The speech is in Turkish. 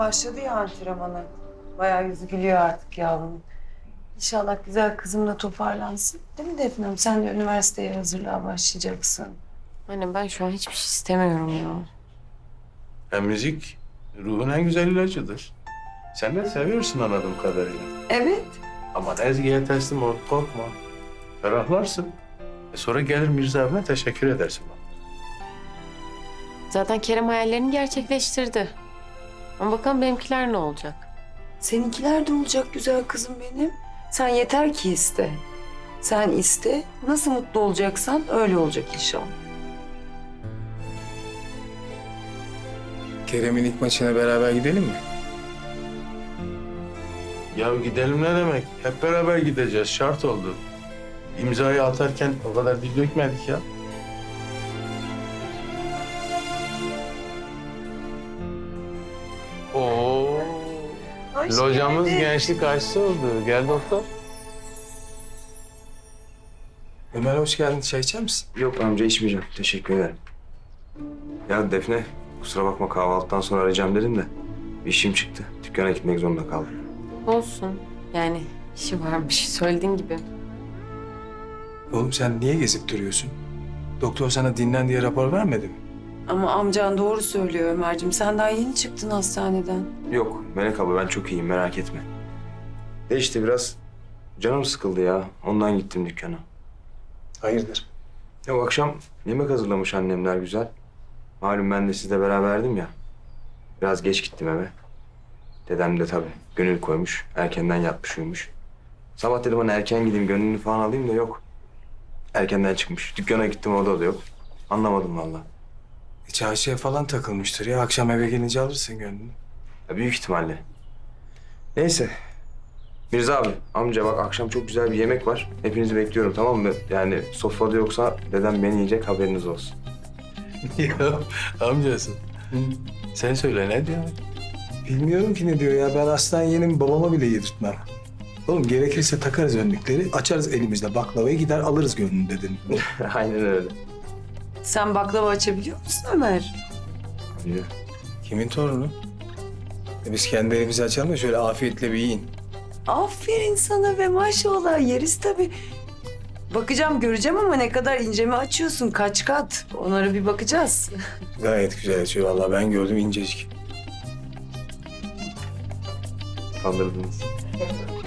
Başladı ya antrenmana. Bayağı yüzü gülüyor artık yavrum. İnşallah güzel kızımla toparlansın. Değil mi Defnem? Sen de üniversiteye hazırlığa başlayacaksın. Anne ben şu an hiçbir şey istemiyorum ya. Hem müzik ruhun en güzel ilacıdır. Sen de seviyorsun anladığım kadarıyla. Evet. Ama Ezgi'ye teslim ol, korkma. Ferahlarsın. Sonra gelir Mirza abine teşekkür edersin bana. Zaten Kerem hayallerini gerçekleştirdi. Ama bakalım benimkiler ne olacak? Seninkiler de olacak güzel kızım benim. Sen yeter ki iste. Sen iste. Nasıl mutlu olacaksan öyle olacak inşallah. Kerem'in ilk maçına beraber gidelim mi? Ya gidelim ne demek? Hep beraber gideceğiz. Şart oldu. İmzayı atarken o kadar dil dökmedik ya. Oo. Hoş Locamız geldin. gençlik aşısı oldu. Gel doktor. Ömer hoş geldin. Çay içer misin? Yok amca içmeyeceğim. Teşekkür ederim. Ya Defne, kusura bakma kahvaltıdan sonra arayacağım dedim de bir işim çıktı. Dükkana gitmek zorunda kaldım. Olsun. Yani işi varmış söylediğin gibi. Oğlum sen niye gezip duruyorsun? Doktor sana dinlen diye rapor vermedi mi? Ama amcan doğru söylüyor Ömerciğim. Sen daha yeni çıktın hastaneden. Yok Melek abla ben çok iyiyim merak etme. De işte biraz canım sıkıldı ya. Ondan gittim dükkana. Hayırdır? Ya o akşam yemek hazırlamış annemler güzel. Malum ben de sizle beraberdim ya. Biraz geç gittim eve. Dedem de tabii gönül koymuş. Erkenden yatmış uyumuş. Sabah dedim hani erken gideyim gönlünü falan alayım da yok. Erkenden çıkmış. Dükkana gittim orada da yok. Anlamadım vallahi. Çarşıya falan takılmıştır ya. Akşam eve gelince alırsın gönlünü. Ya büyük ihtimalle. Neyse. Mirza abi, amca bak akşam çok güzel bir yemek var. Hepinizi bekliyorum tamam mı? Yani sofrada yoksa dedem beni yiyecek haberiniz olsun. Ya amcası. Sen söyle ne diyorsun? Bilmiyorum ki ne diyor ya. Ben aslan yeğenim babama bile yedirtmem. Oğlum gerekirse takarız önlükleri, açarız elimizde baklavayı gider alırız gönlünü dedim. Aynen öyle. Sen baklava açabiliyor musun Ömer? Yürü. Kimin torunu? Biz kendi elimizi açalım da şöyle afiyetle bir yiyin. Aferin sana ve maşallah yeriz tabii. Bakacağım göreceğim ama ne kadar ince mi açıyorsun kaç kat? Onlara bir bakacağız. Gayet güzel açıyor vallahi ben gördüm incecik. Kandırdınız.